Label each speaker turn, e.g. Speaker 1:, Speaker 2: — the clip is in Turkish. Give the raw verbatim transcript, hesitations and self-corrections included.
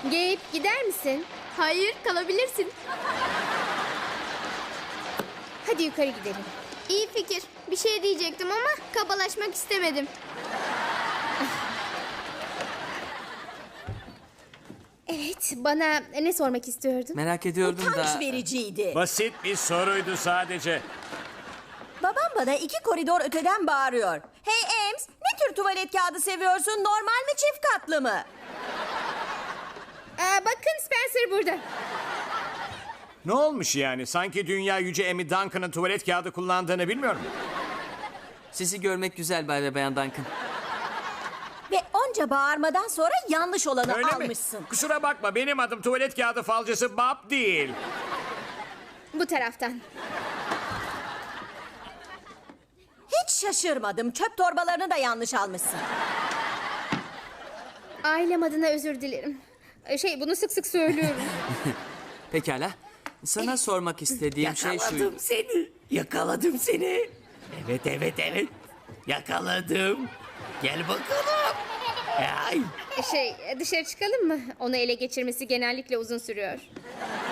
Speaker 1: Gabe, gider misin?
Speaker 2: Hayır, kalabilirsin.
Speaker 1: Hadi yukarı gidelim.
Speaker 2: İyi fikir. Bir şey diyecektim ama kabalaşmak istemedim.
Speaker 1: Evet, bana ne sormak istiyordun?
Speaker 3: Merak ediyordum da...
Speaker 4: Utanç vericiydi.
Speaker 5: Basit bir soruydu sadece.
Speaker 4: Babam bana iki koridor öteden bağırıyor. Hey Ems, ne tür tuvalet kağıdı seviyorsun? Normal mi, çift katlı mı?
Speaker 1: Aa, bakın Spencer burada.
Speaker 5: Ne olmuş yani? Sanki dünya yüce Amy Duncan'ın tuvalet kağıdı kullandığını bilmiyorum.
Speaker 3: Sizi görmek güzel Bay ve Bayan Duncan.
Speaker 4: Ve onca bağırmadan sonra yanlış olanı
Speaker 5: Öyle
Speaker 4: almışsın.
Speaker 5: mi? Kusura bakma, benim adım tuvalet kağıdı falcısı Bob değil.
Speaker 1: Bu taraftan.
Speaker 4: Hiç şaşırmadım. Çöp torbalarını da yanlış almışsın.
Speaker 1: Ailem adına özür dilerim. Ee, Şey, bunu sık sık söylüyorum.
Speaker 3: Pekala. Sana sormak istediğim şey şu...
Speaker 6: Yakaladım seni. Yakaladım seni. Evet evet evet. Yakaladım. Gel bakalım. Ay.
Speaker 1: Şey, dışarı çıkalım mı? Onu ele geçirmesi genellikle uzun sürüyor.